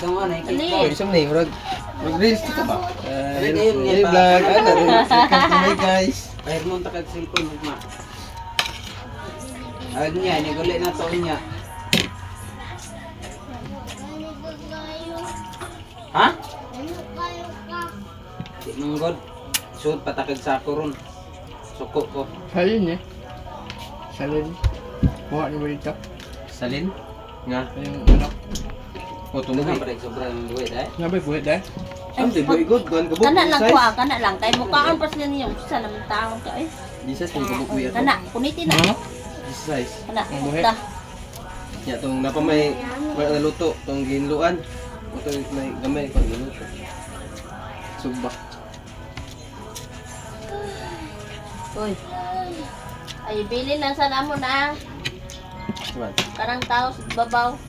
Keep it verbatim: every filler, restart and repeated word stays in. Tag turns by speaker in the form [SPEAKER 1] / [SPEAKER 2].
[SPEAKER 1] Itong ano,
[SPEAKER 2] Ali.
[SPEAKER 1] ikit
[SPEAKER 3] Isang na yung mag-reels ka ba?
[SPEAKER 1] Ay, ngayon nga
[SPEAKER 3] Hey
[SPEAKER 1] pa.
[SPEAKER 3] vlog, ano, welcome to my guys.
[SPEAKER 1] Ay, mo ta kag cellphone mo. Ay niya, ni gulit na to niya. Ha? Di manggod. Suot patakag sa ako ron. Suko ko.
[SPEAKER 3] Salin eh. Salin. Kuha niyo ba dito?
[SPEAKER 4] Salin? Nga.
[SPEAKER 3] Yung ano.
[SPEAKER 4] O,
[SPEAKER 1] Tunog
[SPEAKER 4] tumuhi.
[SPEAKER 1] pa rin sobrang duwid eh.
[SPEAKER 3] Nga ba buhay dahil?
[SPEAKER 4] Ang di ba igod? Kuhan kabuk.
[SPEAKER 2] Kana lang kuha, kana lang. Kay mukhaan pa sila niyo. Sa naman taon ka eh.
[SPEAKER 4] Jesus, yung kabuk buhay ako.
[SPEAKER 2] Kana, kunitin na.
[SPEAKER 3] Ano?
[SPEAKER 4] Jesus size.
[SPEAKER 2] Kana,
[SPEAKER 3] Ang buhi.
[SPEAKER 2] ta.
[SPEAKER 4] Ya, itong napamay, may naluto, itong ginluan. Ito may gamay pang ginuto. Subak.
[SPEAKER 2] Uy. Ay, bilin lang sa namo na.
[SPEAKER 4] Diba?
[SPEAKER 2] Karang tao sa babaw.